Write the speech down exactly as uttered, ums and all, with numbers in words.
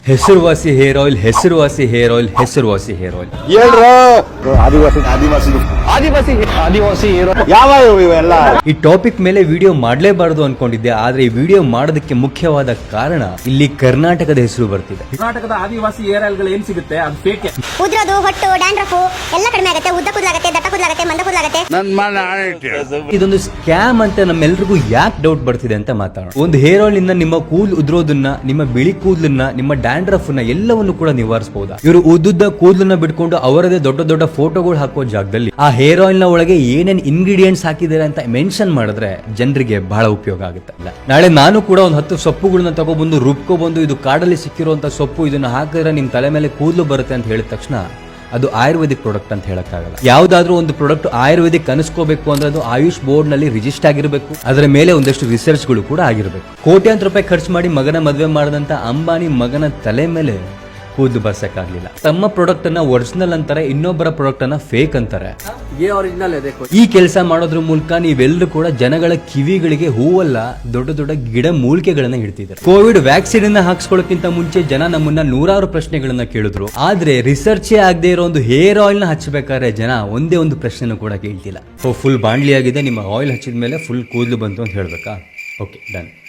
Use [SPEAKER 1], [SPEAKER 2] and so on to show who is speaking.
[SPEAKER 1] ಹೆಸರುವಾಸಿ hair oil, ಹೆಸರುವಾಸಿ hair oil, ಹೆಸರುವಾಸಿ ಹೇರ್ ಆಯಿಲ್.
[SPEAKER 2] ಆದಿವಾಸಿ ಆದಿವಾಸಿ ಆದಿವಾಸಿ ಆದಿವಾಸಿ ಯಾವ ಇವೆಲ್ಲ.
[SPEAKER 1] ಈ ಟಾಪಿಕ್ ಮೇಲೆ ವಿಡಿಯೋ ಮಾಡಲೇಬಾರದು ಅನ್ಕೊಂಡಿದ್ದೆ, ಆದ್ರೆ ಈ ವಿಡಿಯೋ ಮಾಡೋದಕ್ಕೆ ಮುಖ್ಯವಾದ ಕಾರಣ ಇಲ್ಲಿ ಕರ್ನಾಟಕದ ಹೆಸರು ಬರ್ತಿದೆ.
[SPEAKER 3] ಕರ್ನಾಟಕದ ಆದಿವಾಸಿ ಹೇರ್ ಆಯಿಲ್ ಗಳು ಏನ್ ಸಿಗುತ್ತೆ ಅದು ಫೇಕ್.
[SPEAKER 4] ಉದ್ರೋದು, ಹೊಟ್ಟು, ಡ್ಯಾಂಡ್ರಫ್ ಎಲ್ಲ ಕಡಿಮೆ ಆಗುತ್ತೆ. ಉದ್ದ ಕೂದಲಾಗುತ್ತೆ, ದಟ್ಟ ಕೂದಲಾಗುತ್ತೆ, ಮಂದ ಕೂದಲಾಗುತ್ತೆ.
[SPEAKER 1] ಇದೊಂದು ಸ್ಕ್ಯಾಮ್ ಅಂತ ನಮ್ಮೆಲ್ರಿಗೂ ಯಾಕೆ ಡೌಟ್ ಬರ್ತಿದೆ ಅಂತ ಮಾತಾಡೋಣ. ಒಂದು ಹೇರ್ ಆಯಿಲ್ ಇಂದ ನಿಮ್ಮ ಕೂದಲು ಉದ್ರೋದನ್ನ, ನಿಮ್ಮ ಬಿಳಿ ಕೂದಲನ್ನ, ನಿಮ್ಮ ಡ್ಯಾಂಡ್ರಫ್ ನ ಎಲ್ಲವನ್ನು ಕೂಡ ನಿವಾರಿಸಬಹುದಾ? ಇವರು ಉದ್ದುದ್ದ ಕೂದಲನ್ನ ಬಿಟ್ಕೊಂಡು ಅವರದೇ ದೊಡ್ಡ ದೊಡ್ಡ ಫೋಟೋಗಳು ಹಾಕೋ ಜಾಗದಲ್ಲಿ ಆ ಹೇರ್ ಆಯಿಲ್ ನ ಒಳಗೆ ಏನೇನ್ ಇಂಗ್ರೀಡಿಯೆಂಟ್ಸ್ ಹಾಕಿದ್ದಾರೆ ಅಂತ ಮೆನ್ಷನ್ ಮಾಡಿದ್ರೆ ಜನರಿಗೆ ಬಹಳ ಉಪಯೋಗ ಆಗುತ್ತೆ. ನಾಳೆ ನಾನು ಕೂಡ ಒಂದು ಹತ್ತು ಸೊಪ್ಪುಗಳನ್ನ ತಗೊಬಂದು ರುಬ್ಕೊಬಂದು ಇದು ಕಾಡಲ್ಲಿ ಸಿಕ್ಕಿರುವಂತ ಸೊಪ್ಪು, ಇದನ್ನ ಹಾಕಿದ್ರೆ ನಿಮ್ ತಲೆ ಮೇಲೆ ಕೂದಲು ಬರುತ್ತೆ ಅಂತ ಹೇಳಿದ ತಕ್ಷಣ ಅದು ಆಯುರ್ವೇದಿಕ್ ಪ್ರಾಡಕ್ಟ್ ಅಂತ ಹೇಳಕ್ಕಾಗಲ್ಲ. ಯಾವ್ದಾದ್ರೂ ಒಂದು ಪ್ರಾಡಕ್ಟ್ ಆಯುರ್ವೇದಿಕ್ ಅನಿಸ್ಕೋಬೇಕು ಅಂದ್ರೆ ಅದು ಆಯುಷ್ ಬೋರ್ಡ್ ನಲ್ಲಿ ರಿಜಿಸ್ಟರ್ ಆಗಿರಬೇಕು, ಅದರ ಮೇಲೆ ಒಂದಷ್ಟು ರಿಸರ್ಚ್ ಗಳು ಕೂಡ ಆಗಿರಬೇಕು. ಕೋಟ್ಯಾಂತರ ರೂಪಾಯಿ ಖರ್ಚು ಮಾಡಿ ಮಗನ ಮದುವೆ ಮಾಡಿದಂತ ಅಂಬಾನಿ ಮಗನ ತಲೆ ಮೇಲೆ ಕೂದಲು ಬರ್ಸಕ್ಕಾಗ್ಲಿಲ್ಲ. ತಮ್ಮ ಪ್ರಾಡಕ್ಟ್ ಅನ್ನ ಒರಿಜಿನಲ್ ಅಂತಾರೆ, ಇನ್ನೊಬ್ಬರ ಪ್ರಾಡಕ್ಟ್ ಅನ್ನ ಫೇಕ್ ಅಂತಾರೆ. ಈ ಕೆಲಸ ಮಾಡೋದ್ರ ಮೂಲಕ ನೀವೆಲ್ಲರೂ ಕೂಡ ಜನಗಳ ಕಿವಿಗಳಿಗೆ ಹೂವಲ್ಲ, ದೊಡ್ಡ ದೊಡ್ಡ ಗಿಡ ಮೂಲಿಕೆಗಳನ್ನ ಇಡ್ತಿದ್ದಾರೆ. ಕೋವಿಡ್ ವ್ಯಾಕ್ಸಿನ್ ಅನ್ನ ಹಾಕ್ಸ್ಕೊಳ್ಳೋಕ್ಕಿಂತ ಮುಂಚೆ ಜನ ನಮ್ಮನ್ನ ನೂರಾರು ಪ್ರಶ್ನೆಗಳನ್ನ ಕೇಳಿದ್ರು, ಆದ್ರೆ ರಿಸರ್ಚೇ ಆಗದೆ ಇರೋ ಒಂದು ಹೇರ್ ಆಯಿಲ್ ನ ಹಚ್ಚಬೇಕಾದ್ರೆ ಜನ ಒಂದೇ ಒಂದು ಪ್ರಶ್ನೆ ಕೂಡ ಕೇಳ್ತಿಲ್ಲ. ಫುಲ್ ಬಾಂಡ್ಲಿ ಆಗಿದೆ, ನಿಮ್ಮ ಆಯಿಲ್ ಹಚ್ಚಿದ ಮೇಲೆ ಫುಲ್ ಕೂದಲು ಬಂತು ಅಂತ ಹೇಳ್ಬೇಕಾ? Okay, done.